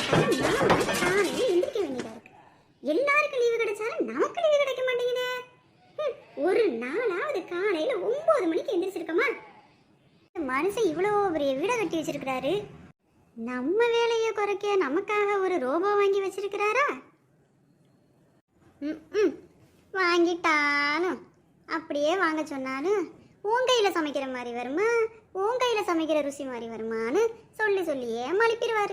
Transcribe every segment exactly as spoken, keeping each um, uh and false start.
எந்திரிக்க வேண்டியதா இருக்கு. எல்லாருக்கும் லீவு கிடைச்சாலும் நமக்கு லீவு கிடைக்க மாட்டேங்குதே. ஒரு நாளாவது காலையில ஒன்பது மணிக்கு எந்திரிச்சிருக்கோமா? மனுஷன் இவ்வளோ பெரிய வீடை கட்டி வச்சிருக்கிறாரு, நம்ம வேலையை குறைக்க நமக்காக ஒரு ரோபோ வாங்கி வச்சிருக்கிறாரா? ம் வாங்கிட்டாலும் அப்படியே வாங்க சொன்னாலும் உன் கையில் சமைக்கிற மாதிரி வருமா, உன் கையில் சமைக்கிற ருசி மாதிரி வருமானு சொல்லி சொல்லியே மலிப்பிடுவார்.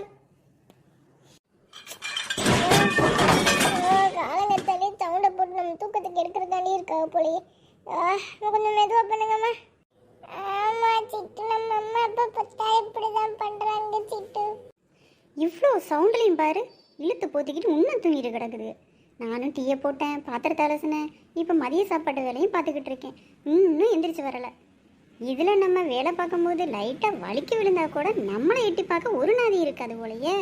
காலங்கத்தாலே சவுண்டை போட்டு நம்ம தூக்கத்துக்கு எடுக்கிறதாலே இருக்காங்க போலயே. கொஞ்சம் மெதுவாக பண்ணுங்கம்மா. ஆமா சிட்டு, நம்ம அம்மா அப்பா பார்த்தா இப்படிதான் பண்றாங்க சிட்டு. இவ்வளோ சவுண்ட்லையும் பாரு, இழுத்து போத்திக்கிட்டு இன்னும் தூங்கிட்டு கிடக்குது. நானும் டீயை போட்டேன், பாத்திரத்தை அலசினேன், இப்போ மதிய சாப்பாட்டு வேலையும் பார்த்துக்கிட்டு இருக்கேன். இன்னும் எந்திரிச்சு வரலை. இதில் நம்ம வேலை பார்க்கும்போது லைட்டாக வலிக்கு விழுந்தா கூட நம்மளை எட்டி பார்க்க ஒரு நாதி இருக்காது போலையே.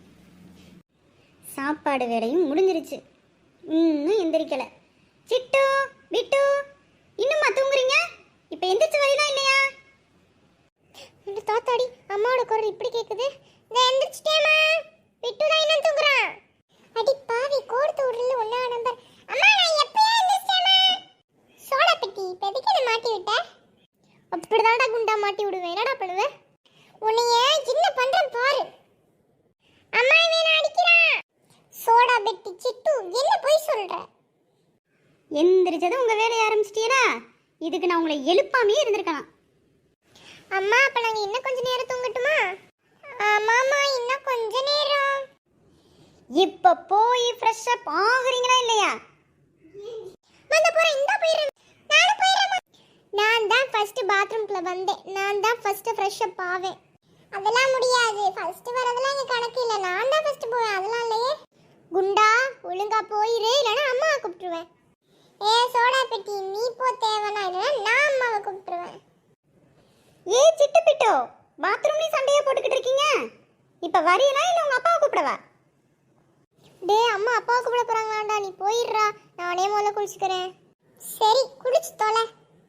சாப்பாடு வேலையும் முடிஞ்சிருச்சு, இன்னும் எந்திரிக்கலை. சிட்டு விட்டு இன்னும்மா தூங்குறீங்க? இப்போ எந்திரிச்சு வரலாம் இல்லையா? தாத்தாடி, அம்மாவோட குரல் இப்படி கேட்குது. நான் எந்திரிச்சிட்டேம்மா. விட்டு தான் இன்னும் தூங்குறான். அடி பாவி, கோடுத்து விடல ஒன்னா நம்பர். அம்மா நான் எப்பயா எந்திரிச்சேம்மா. சோடா பெட்டி இப்போ எதுக்கு என்ன மாட்டி விட்ட? அப்படிதான்டா குண்டா மாட்டி விடுவேன். என்னடா பண்ணுவேன்? உன்னைய என்ன பண்றேன் பாரு. அம்மா இவன் அடிக்கிறான். சோடா பெட்டி சிட்டு, என்ன போய் சொல்ற? எந்திரிச்சதும் உங்கள் வேலையை ஆரம்பிச்சிட்டீரா? இதுக்கு நான் உங்களை எழுப்பாமே இருந்திருக்கலாம். அம்மா அப்ப நாங்க இன்னும் கொஞ்ச நேரம் தூங்கட்டுமா? ஆமாமா, இன்னும் கொஞ்ச நேரம். இப்ப போய் ஃப்ரெஷ் அப் ஆகுறீங்களா இல்லையா? வந்து போறேன், இந்த போயிரேன். நானும் போயிரேன். நான் தான் ஃபர்ஸ்ட் பாத்ரூம்க்குள்ள வந்தேன். நான் தான் ஃபர்ஸ்ட் ஃப்ரெஷ் அப் ஆவேன். அதெல்லாம் முடியாது. ஃபர்ஸ்ட் வரதெல்லாம் இங்க கணக்கு இல்ல. நான் தான் ஃபர்ஸ்ட் போவேன். அதெல்லாம் இல்லையே. குண்டா ஒழுங்கா போயிரு, இல்லனா அம்மாவை கூப்பிட்டுருவேன். ஏ சோடா பெட்டி, நீ போ தேவனா, இல்லனா நான் அம்மாவை கூப்பிட்டுருவேன். ஏ சிட்டு பிட்டோ, பாத்ரூம்லயும் சண்டையா போட்டுக்கிட்டு இருக்கீங்க. இப்ப வரீங்களா இல்ல உங்க அப்பாவை கூப்பிடவா? டே அம்மா அப்பாவை கூப்பிட போறாங்களாண்டா, நீ போயிடுறா. நானே முதல்ல குளிச்சுக்கிறேன். சரி குளிச்சு தொலை.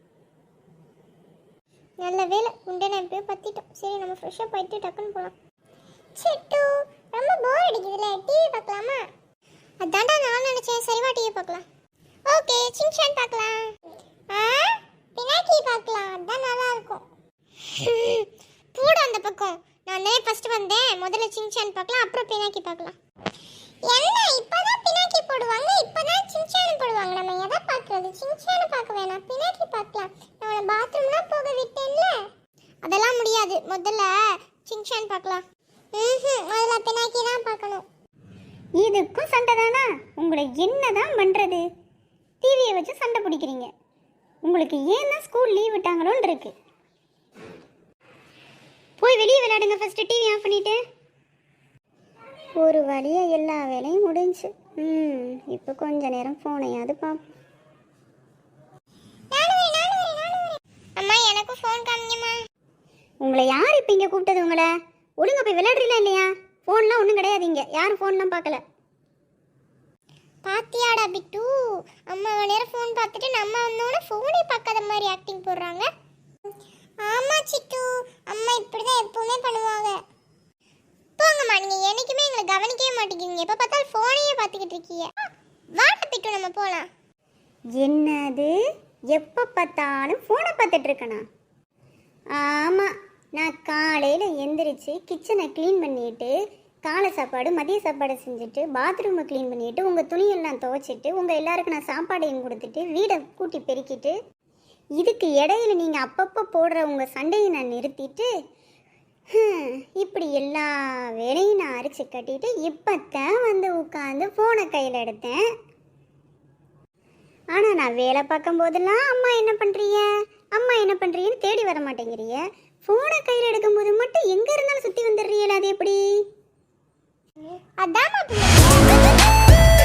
நல்ல வேலை, குண்டை நான் இப்போயே பத்திட்டோம். சரி நம்ம ஃப்ரெஷ்ஷாக போயிட்டு டக்குன்னு போகலாம். சிட்டு, ரொம்ப போர் அடிக்குதுல்ல, டிவி பார்க்கலாமா? அதான்டா நான் நினச்சேன். சரிவா டிவி பார்க்கலாம். ஓகே, சின்சான் பார்க்கலாம். ஆ பினாக்கி பார்க்கலாம், அதான் நல்லா இருக்கும். பூட அந்த பக்கம். நான் தான் ஃபர்ஸ்ட் வந்தேன். முதல்ல சின்சான் பார்க்கலாம், அப்புறம் பினாக்கி பார்க்கலாம். என்ன இப்பதான் பினாக்கி போடுவாங்க, இப்பதான் சின்சான் போடுவாங்க. நம்ம எதை பார்க்கறது? சின்சானை பார்க்க வேணாம், பினாக்கி பார்க்கலாம். நான் பாத்ரூம்லாம் போக விட்டேன்ல, அதெல்லாம் முடியாது. முதல்ல சின்சான் பார்க்கலாம். ம் அதில் பினாக்கி தான் பார்க்கணும். இதுக்கும் சண்டை தானா? உங்களை என்னதான் பண்றது? டிவியை வச்சு சண்டை பிடிக்கிறீங்க. உங்களுக்கு ஏன் தான் ஸ்கூல் லீவ் விட்டாங்களோன்னு இருக்கு. போய் வெளியே விளையாடுங்க. ஃபர்ஸ்ட் டிவி ஆஃப் பண்ணிட்டு. ஒரு வழியா எல்லா வேலையும் முடிஞ்சு. ம் இப்போ கொஞ்ச நேரம் ஃபோனையாவது பார்ப்போம். அம்மா எனக்கும் ஃபோன் காமிங்கம்மா. உங்களை யார் இப்போ இங்கே கூப்பிட்டது? உங்களை ஒழுங்கா போய் விளையாடுறீங்களா இல்லையா? ஃபோன்லாம் ஒன்றும் கிடையாது இங்கே. யாரும் ஃபோன்லாம் பார்க்கல. பாத்தியாடா பிட்டு, அம்மா நேரம் ஃபோன் பார்த்துட்டு நம்ம வந்தோடனே ஃபோனே பார்க்காத மாதிரி ஆக்டிங் போடுறாங்க. ஆமா சிட்டு, அம்மா இப்படிதான் எப்பவுமே பண்ணுவாங்க. போங்கம்மா, நீங்க என்னைக்குமே எங்களை கவனிக்கவே மாட்டேங்கிறீங்க. எப்ப பார்த்தாலும் ஃபோனையே பார்த்துக்கிட்டு இருக்கீங்க. வாட்ட பிட்டு நம்ம போலாம். என்னது? எப்போ பார்த்தாலும் ஃபோனை பார்த்துட்டு இருக்கேனா? ஆமாம், நான் காலையில் எந்திரிச்சு கிச்சனை க்ளீன் பண்ணிட்டு, காலை சாப்பாடு மதிய சாப்பாடு செஞ்சுட்டு, பாத்ரூமை க்ளீன் பண்ணிவிட்டு, உங்கள் துணியெல்லாம் துவைச்சிட்டு, உங்கள் எல்லாருக்கும் நான் சாப்பாடையும் கொடுத்துட்டு, வீடை கூட்டி பெருக்கிட்டு, இதுக்கு இடையில நீங்கள் அப்பப்போ போடுற உங்கள் சண்டையை நான் நிறுத்திட்டு, இப்படி எல்லா வேலையும் நான் அரைச்சி கட்டிட்டு இப்போத்தான் வந்து உட்காந்து ஃபோனை கையில் எடுத்தேன். ஆனால் நான் வேலை பார்க்கும் போதெல்லாம் அம்மா என்ன பண்ணுறீங்க, அம்மா என்ன பண்ணுறீங்கன்னு தேடி வர மாட்டேங்கிறீங்க. ஃபோனை கையில் எடுக்கும்போது மட்டும் எங்கே இருந்தாலும் சுற்றி வந்துடுறீங்களா? அது எப்படி? அதான்